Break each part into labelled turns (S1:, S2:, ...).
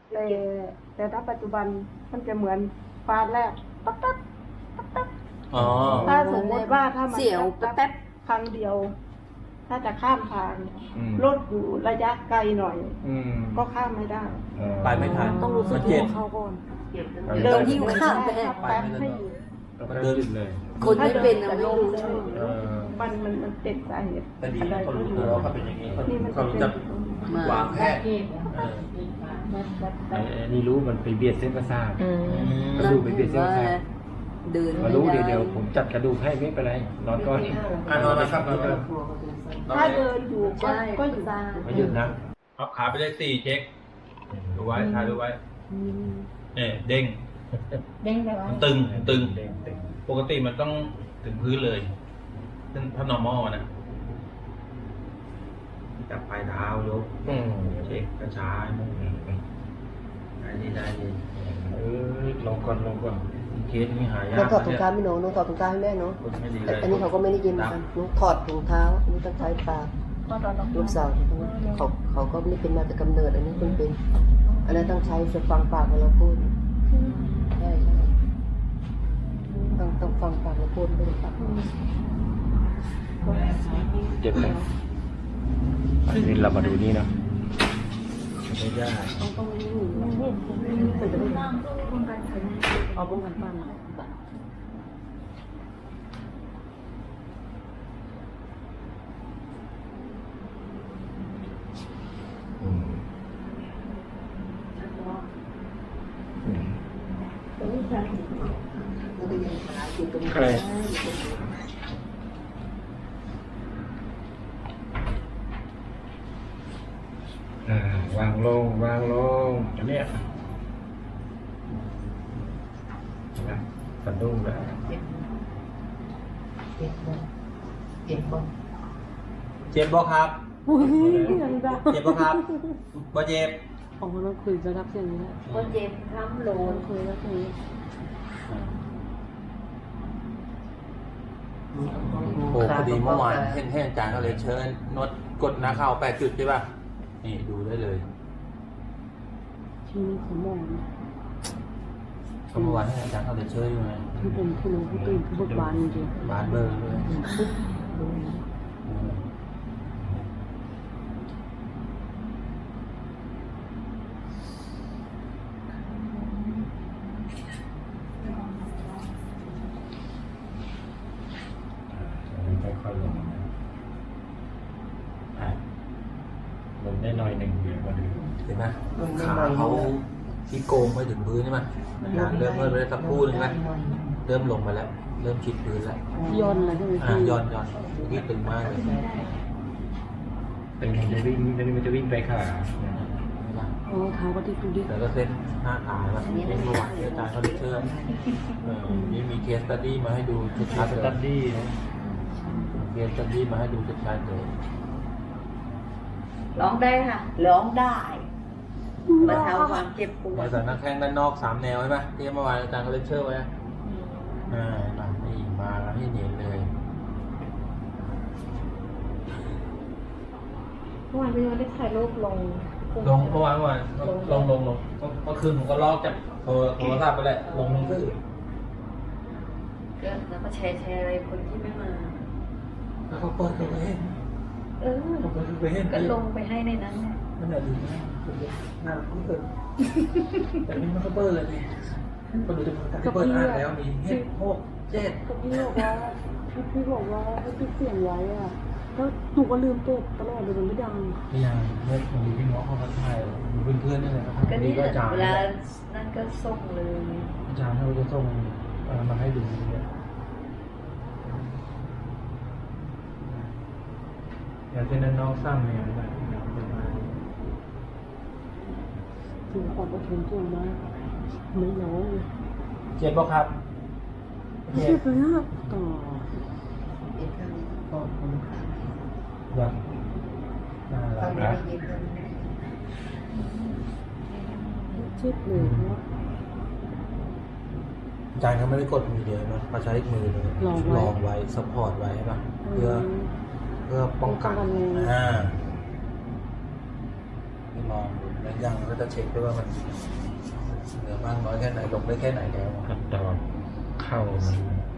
S1: แต่ถ้าปัจจุบันมันจะเหมือนฟ้าแลบปั๊บปั๊บปั๊บปั๊บ
S2: อ๋อ
S1: ถ้าสมมติว่าถ้ามัน
S3: เสียวแป๊บ
S1: ครั้งเดียว ถ้าจะข้ามทาง
S4: อืม
S1: รถอยู่ระยะไกลหน่อย
S4: อืม
S1: ก็ข้ามไม่ได้
S2: ไปไม่ทัน
S3: ต้องรู้สึก
S2: มันเจ็บ
S3: ตัวเขาก่อน
S1: เดิน
S3: หิ้วข้ามไป
S1: แป๊บให้อยู่
S4: มันเดินเลย
S3: คนไม่เป็นอะไม่รู้
S4: เออ
S1: มันเป็นสาเหตุ
S2: แต่ดีนะเขารู้ตัวว่าเขาเป็นอย่างนี้เขา
S1: นี่มัน
S2: เขา
S1: จะ
S2: รู้
S1: เป็น
S2: จักวางแผน
S4: ไอ้นี่รู้มันไปเบียดเส้นประสาท กระ
S3: นั่น
S4: ดูกไปเบียดเส้นประสาท
S3: เดิน
S4: มารู้เดี๋ยวผมจัดกระดูกให้ไม่เป็นไรนอนก่อน
S2: นอนนะครับนอนนะครับ
S1: ถ้าเดินอยู่ก็
S3: ใช่
S1: ก็
S3: ก็
S1: อยู่
S3: ซ่า
S4: ไม่หยุดนะ
S2: พับขาไปเลข4เช็คดูไว้ถ่ายดูไว้เนี่ยเด้ง
S1: เด้งไปว่า
S2: มันตึงปกติมันต้องถึงพื้นเลยซึ่งถ้า normal นะจับปลายเท้ายกเช็คกระชายได้ดี
S4: ลงก่อน
S2: เคสนี้หายา
S3: น้อง
S2: ก
S3: ถอดถุงเท้าไม่หนูน้องถอดถุงเท้าให้แม่เนาะ
S2: ไม่ดีเล
S3: แต่
S2: ย
S3: อันนี้เขาก็ไม่ได้ยินเหมือนกันน้องถอดถุงเท้าอันนี้ต้องใช้ปากลูกสาวเขาก็ไม่ได้เป็นมาแต่กำเนิดอันนี้เป็น อันนั้นต้องใช้จะฟังปากเวลาพูดใช่ต้องฟังปากเราพูดไม่ได้ปาก
S4: เจ็บไหมอันนี้เรามาดูนี่เนาะ
S2: ไม่ได้
S3: เอาป้องกันบ้าน
S4: ใครวางลงอันเนี้ยนะสะดุ้งแล้ว
S3: เจ็บบ่
S2: เจ็บบ่ครับเจ็บบ่ครับบ่เจ็บ
S3: ของเราคุยจะรับเสียงนี้แหละ
S5: ก็เจ็บคล้ำโลน
S3: คุยแล้วคุย
S2: โอ้พอดีเมื่อวานให้อาจารย์เขาเลยเชิญนวดกดหน้าเข่า8 จุดใช่ป่ะนี่ดูได้เลย
S3: ที่นี่เขามอง
S2: ก็เมื่อวานให้อาจารย์เขาเลยเชิญอยู่ไง
S3: ที่เป็นผู้รู้ผู้ตื่นผู้เบิกบานจริง
S2: บานเบอร์เลย
S4: ค่อยๆลงลงได้หน่อยหนึ่งเดียวก็ดู
S2: เห็นไหมขาเขาที่โกงไปถึงพื้นใช่ไหมอาจารย์เริ่มเมื่อไปได้สักครู่นึงไหมเริ่มลงมาแล้ว เริ่มชิดพื้นแล้ว
S3: ย้อนอะไรใช่ไหมพี่
S2: ย้อนนี่ตึงมากเลย
S4: เป็นจะวิ่งมันจะวิ่งไปขา
S3: โอ้เท้าก็ที่ดูดิ
S2: แล้วก็เส้นหน้าขาแบบเส้นเมื่อวานที่อาจารย์เขาได้เชิญนี่มีเคสตัดดี้มาให้ดูชัดๆ
S4: ส
S2: เลย
S4: ตัดดี้
S2: เคสตัดดี้มาให้ดูชัดๆเลย
S5: ร้องได้ค่ะร้องได้บรรเทาความเจ็บปว
S2: มา
S5: ด
S2: จากนักแข้งด้านนอก3 แนวใช่ไหมที่เมื่อวานอาจารย์เขาเลคเชอร์ไว้มานี่มาให้เห็นเลย
S1: เมื่อวานพี่วันได้ถ่ายรูปลง
S2: ลงเมื่อวานลงเมื่อคืนผมก็ลอกจากโทรศัพท์ไปแหละลงคือ
S5: ก็แล้วก็แชร์อะไรคนที่ไม่มา
S2: แล้วเขาเปิดไปเห็น
S5: เออ
S2: เขาเปิดไปเห็น
S5: ก็ลงไปให้ในนั้นแหละ
S2: มันดีมากน่ารักเปิดแต่นี่มันก็เปิดเลยนี่ก็ดูจะเปิดอ่านแล้วมีเห็ด6 7
S3: ก็พี่บอกว่าพี่บอกว่าให้ปิดเสียงไว้อะก็หนูก็ลืมเปิดตลอดเลยมันไม่ดัง
S2: พี่ยังเนี่ยผมมีพี่น้องเขามาถ่ายมีเพื่อนๆนี่แหละครับ
S5: ก็
S2: นี่
S5: นี่
S2: ก็อาจารย์
S5: เวลานั่นก็ส่งเลย
S2: อาจารย์เขาจะส่งมาให้ดูเนี่ย
S4: อย่างเช่นนั้นน้องซ้ำเนี่ยนะ
S3: ถึงความอดทนสูงมากไม่ร้องเลย
S2: เจ็บป่ะครับ
S3: เจ็บเลยอะต่อ
S2: แบบน่ารักนะ
S3: เจ็บเลยเพราะว่า
S2: อาจารย์เขาไม่ได้กดมือเดียวนะเขาใช้มือเลยลองไว้ซัพพอร์ตไว้ใช่ปะเพื่อป้องกันที่มองดูแล้วยังก็จะเช็คด้วยว่ามันเหลือมากน้อยแค่ไหนลงได้แค่ไหนแล้ว
S4: ขั้นตอนเข้ามัน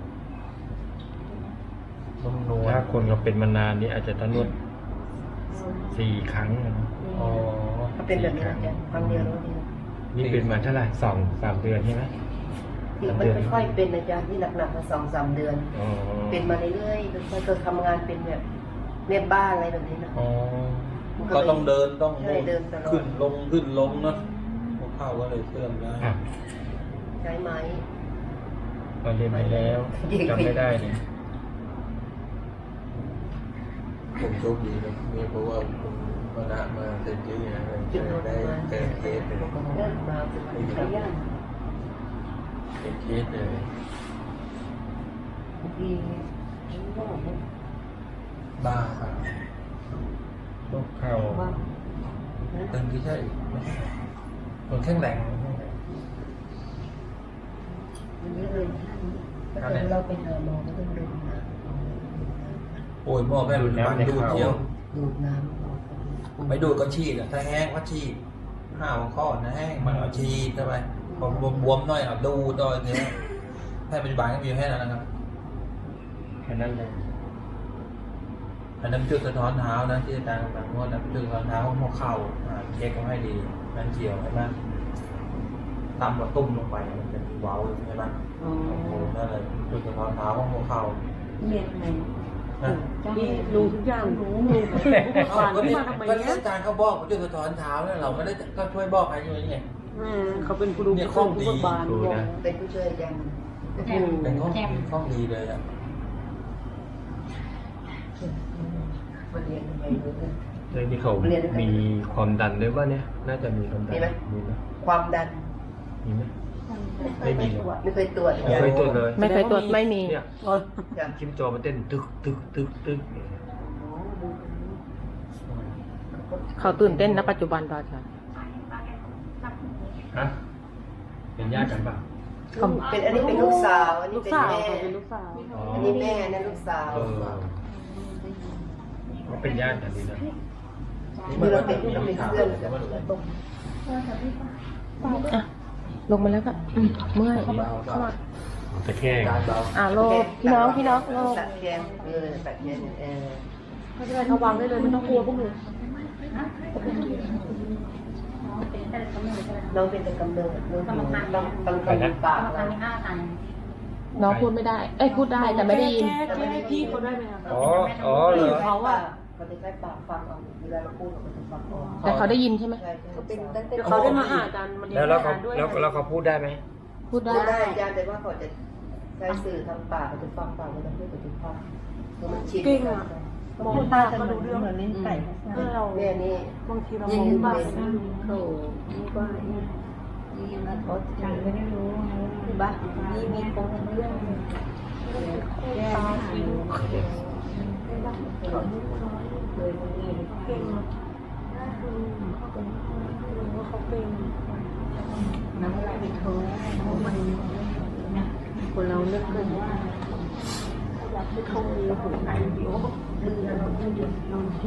S2: นุ่มนวล
S4: ถ้าคนเราเป็นมานานนี่อาจจะต้องนวด4 ครั้งนะ
S2: อ๋อ
S3: ก็เป็นแบบนี้อาจารย์ครั้งเดียวแล้วนี่
S4: นี่เป็นมาเท่าไหร่2-3 เดือนใช่ไหม
S3: ที่มันค่อยๆเป็นอาจารย์ที่หนักๆมา2-3 เดือน
S4: อ๋อ
S3: เป็นมาเรื่อยๆค่อยๆทำงานเป็นแบบแม่บ้านอะไรแบบนี้นะ
S2: อ๋อก็ต้องเดินต้อง
S3: ใช่เดินตลอด
S2: ขึ้นลงเนาะหัวเข่าก็เลยเสื่อมได้
S4: อ่ะ
S3: ใช้ไม้
S4: เราเรียนไปแล้วจำไม่ได้เนี่ย
S2: ผมโชคดีนะนี่เพราะว่าผมคณะมาเต็มที่นะเลย
S3: จุดรถ
S2: ได้
S3: มา
S2: แก้เคสเลย
S3: เดินมาจุดรถย่าง
S2: แก้เคสเลย
S3: ดี
S2: บ้าครับ
S4: โรคเข่า
S3: ว่า
S2: ตึงที่ใช่ไม่ใช่คนแข็งแรง
S3: มันเยอะเลยถ้าเกิดเราไปหาหมอก็ต้องดูน้
S2: โอ้ยหม้อแม่รุ่นบันดูดเดียว
S3: ำดูน้ำ
S2: ไม่ดูดก็ฉีดอ่ะถ้าแห้งก็ฉีดห้าวข้อนะแห้งมันเอาฉีดเข้าไปพอบวมๆหน่อยเอาดูดต่อยอย่างเงี้ยแพทย์ปัจจุบันก็มีแค่นั้นนะครับ
S4: แค่นั้นเลย
S2: อันนั้นจุดสะท้อนเท้านะที่อาจารย์กำลังนวดนะจุดสะท้อนเท้าหัวเข่าเช็คก็ให้ดีนั่นเฉียวใช่ไหมต่ำกว่าตุ้มลงไปมันจะมีเว้าใช่ไหมโอ้โหนั่นเลยจุดสะท้อนเท้าของหัวเข่า
S5: เรียนไง
S2: นะ
S1: นี่รู้ทุกอย่างรู้ผ่านมาทำไม
S2: ก็
S1: เนี้ย
S2: อาจารย์เขาบอกว่าจุดสะท้อนเท้าเนี่ยเราไม่ได้ก็ช่วยบอกให้อยู่นี่ไง
S1: เขาเป็นครูผู้ช่วยผู้บาน
S3: เป็นผู้ช่วยอาจารย์
S2: เป็นข้อดีเลยอ่ะ
S3: มาเรียนทำไมรู้เนี่ย
S4: เรื่องที่เขามีความดันด้วยป่ะเนี่ย น่าจะมีความดัน
S3: มีไหม
S4: มีไหม
S3: ความดัน
S4: มีไหมไม่มี
S3: ไม่เคยตรวจ
S4: ไม่เคยตรวจเลย
S6: ไม่เคยตรวจไม่มี
S4: เนี่ย
S3: จ้ะ
S4: ชิมจอมันเต้นตึกตึกตึกตึกเนี่ย
S6: เขาตื่นเต้นนะปัจจุบันตอนค่ะ
S4: ฮะเป็นญาติกันป่ะ
S3: เป็นอันนี้เป็นลูกสาวอันนี้
S1: ลูก
S3: เป็น
S1: สาว
S3: แม่
S1: เขาเป็นลูกสาว
S3: อันนี้แม่นั่นลูกสาว
S4: เออเขาเป็นญาติกันดีนะ
S3: นี่เราเป็นเพื่อนกัน
S6: อ่ะ ลงมาแล้วก็เมื่อย
S4: แต่แค่
S2: การเบา
S6: โลกพี่น้องโลก
S3: ตัดแขนตัดแขน
S1: ไม่เป็นไรเขาวางได้เลยไม่ต้องกลัวพวกหนู
S3: น้องเป็นแต่กำเนิดน้องต้องปากแล้ว
S6: น้องพูดไม่ได้ เอ้ยพูดได้แต่ไม่ได้ยิน
S1: แก้พี่เขาได้ไหมคะ
S4: อ๋อเหรอ
S1: เขาอะ
S3: เขาจะใช้ปากฟังเอาเวลาเราพูดเขาจะฟังออก
S6: แต่เขาได้ยินใช่ไหม
S3: ใช่เขาเป็นตั้งแต่
S1: เดี๋ยวเขาได้มาหาอาจารย์มัน
S4: แล้วเขาแล้วเขาพูดได้ไหม
S6: พูดได้
S3: ได้อาจารย์แต่ว่าเขาจะใช้สื่อทางปากเขาจะฟังปากเขาจะพูดกับทุกฟังคือมันชิน
S1: เก่งอะมองตาก็รู้เรื่อง
S5: เหมือนลิ้นไก่
S1: เรา
S3: แม่นี่
S1: บางทีเรามองตา
S3: โถนี่ว่านี่นะเขาฉันไม่ได้รู้ที่บ้านนี่มีคนเรื่องแก้ไม่รู้เลยมันนี่
S1: เก่งเขาเป็น
S5: น้ำลายเป็นโถมัน
S1: คนเราเลือกกันว่าอยากให้เขามีหัวใจเดียวดื้อเราไม่เดือดร้อนที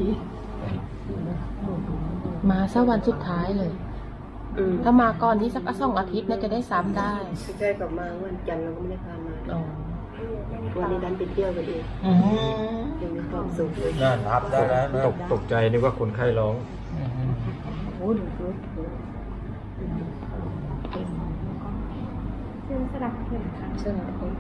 S6: มาสักวันสุดท้ายเลย ถ้ามาก่อนที่สัก2 อาทิตย์น่าจะได้ซ้ำได้
S3: ใช่กับมาวันจันทร์เราก็ไม่ได้พามา
S6: อ๋อ
S3: วันนี้ดันไปเที่ยวกันเองยังมีความสุขเลย
S2: น่ารับได้แล้วนะ
S4: ตกใจนึกว่าคนไข้ร้อง
S5: โอ้ดูดูเส้นสลับเข็มค่ะ
S3: ใช่ไหม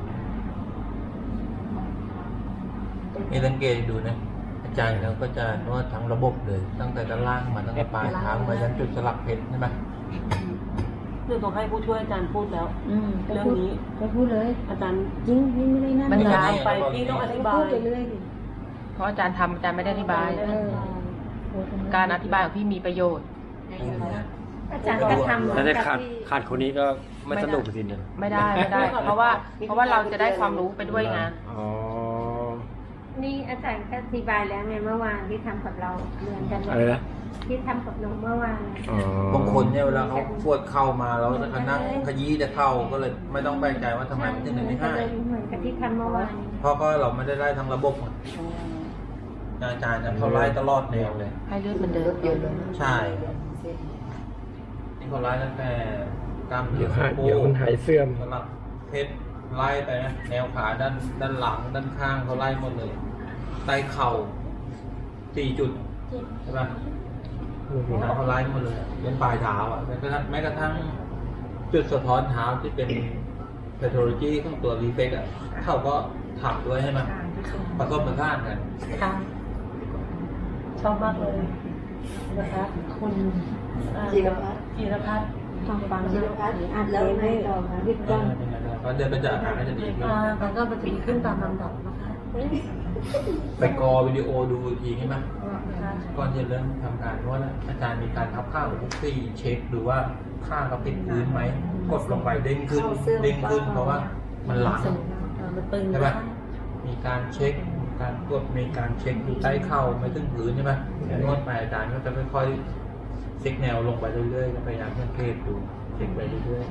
S2: นี่สังเกตดูนะอาจารย์เราก็จะนวดทั้งระบบเลย ตั้งแต่ด้านล่างมาตั้งแต่ปลายเท้ามายันจุดสลักเพชรใช่ไหม
S1: เรื่องต้องให้ผู้ช่วยอาจารย์พูดแล้ว เรื่องนี้
S5: ก็พูดเลย
S1: อาจารย์
S5: จริงพี่ไม่ได้นั่น
S6: มันยาว
S1: ไปพี่ต้องอธิบาย
S5: พูดไปเรื่อยดิ
S6: เพราะอาจารย์ทำอาจารย์ไม่ได้อธิบาย การอธิบายของพี่มีประโยชน์
S5: อาจารย์ก็ทำ
S4: ถ้าได้ขาดคนนี้ก็ไม่สนุกสิเนี่ย
S6: ไม่ได้ เพราะว่าเราจะได้ความรู้ไปด้วยไง
S4: อ๋อ
S7: นี่อาจารย์ก็อธิบายแล้วไงเมื่อวานที่ทำกับเราเหมือนกันเล
S4: อะไร
S7: ย
S4: นะ
S7: ที่ทำกับน้องเมื่อวาน
S4: อ๋อบ
S2: างคนเนี่ยเวลาเขาปวดเข่ามาแล้วจะนั่งขยี้แต่เข่าก็เลยไม่ต้องแปลกใจว่าทำไมมันถึงไม่หาย
S7: เหมือนกับที่ทำเมื่อวาน
S2: เพราะก็เราไม่ได้ไล่ทั้งระบบอาจารย์เขาไล่ตลอดแนวเลย
S6: ให้เลือดมันเดิ
S3: ร
S6: น
S3: ถยนต์
S2: ใช่
S3: เส้น
S2: นี่เขาไล่ตั้งแต่กล้ามเนื้
S4: เดี๋
S2: อ
S4: ยว
S2: สะโพ
S4: เดี๋ยว
S2: ก
S4: มันหายเสื่อม
S2: สำหรับเพชรไล่ไปนะแนวขาด้านหลังด้านข้างเขาไล่หมดเลยใต้เข่า4 จุดใช่ปะเท้าเขาไล่หมดเลยเป็นปลายเท้าอ่ะแม้กระทั่งจุดสะท้อนเท้าที่เป็น pathology ของตัว reflex อ่ะเขาก็ถักด้วยให้มันผสมผสานกัน
S1: ค่ะชอบมากเลยนะคะคุณ
S3: จีรพัฒน์
S1: จีรพัฒน์ทางฟัง
S3: จีรพัฒน์
S1: อ่าน
S3: แล้ว
S1: ไม่
S3: ไม่
S1: ต่อค่ะรีบ
S2: เอ
S1: ต้
S2: อน เป็นไงบ้างก็เดินไปจากอาการก็จะดีขึ้น
S1: มันก็จะดีขึ้นตามลำดับนะคะ
S2: ไปกอวิดีโอดูอีกทีใช่ไหมก่อนจะเริ่มทำการนวดแล้วอาจารย์มีการทับข้าวทุกซี่เช็คดูว่าข้างเขาติดพื้นไหมกดลงไปเด้งขึ้นเพราะว่ามันหลัง
S1: มันตึง
S2: ใช่ปะมีการเช็คมีการกดมีการเช็คดูใต้เข่าไม่ถึงพื้นใช่ไหมนวดไปอาจารย์ก็จะค่อยๆเช็คแนวลงไปเรื่อยๆพยายามสังเกตดูเช็คไปเรื่อย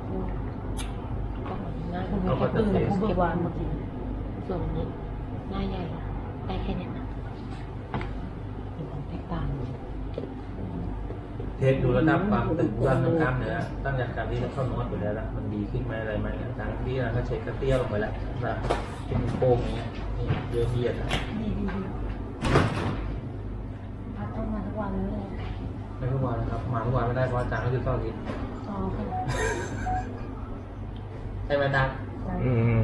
S6: หน้าคุณแค่ตึงผู้เบิกวานเมื่อกี้ส่วนนี้หน้าใหญ่ได้แค่เนี้ยนะมีความแตกต่าง
S2: ๆเทสดูระดับความตึงความกล้ามเนื้อตั้งแต่การที่เราเข้านวดไปแล้วละมันดีขึ้นไหมอะไรไหมอาจารย์ที่เราก็เช็คกระเตี้ยลงไปแล้วนะเป็นโค้งอย่างเงี้ยนี่เยอะเยียดนะ
S1: พัดต้องมาทุกวันเลย
S2: ไม่ทุกวันนะครับมาทุกวันไม่ได้เพราะอาจารย์ก็คือต้องกิน
S1: ซ้อมค่ะ
S2: ใช่ไหมอาจารย์
S4: อืม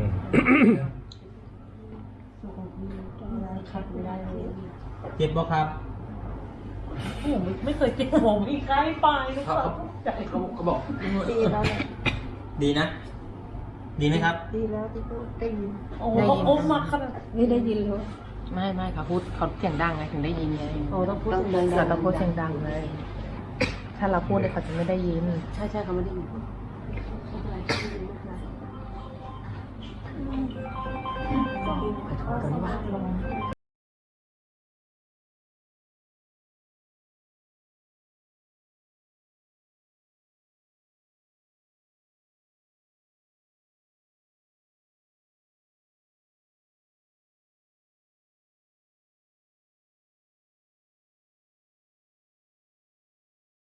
S1: สุขภาพต้องได้ขัดไม่ได้เลย
S2: เจ็บป่ะครับ
S1: ผมไม่เคยเจ็บผมอีกใกล้ไปลูก
S2: เขา
S1: สาวใจ
S2: เขาบอก
S3: ดีแล้วแหละ
S2: ดีนะ ดีไหมครับ
S3: ดีแล้วที่เขาได้ยิน
S1: โอ้โหโอ้มาขนาดนี้ได้ยินเลย
S6: ไม่เขาพูดเขาเสียงดังไงถึงได้ยินไง
S1: โอ้ต้องพูดดัง
S6: เราต้องพูดเสียงดังเลย ถ้าเราพูดเนี่ยเขาจะไม่ได้ยิน
S3: ใช่เขาไม่ได้ยิน
S6: ขอโทษด้วยว่า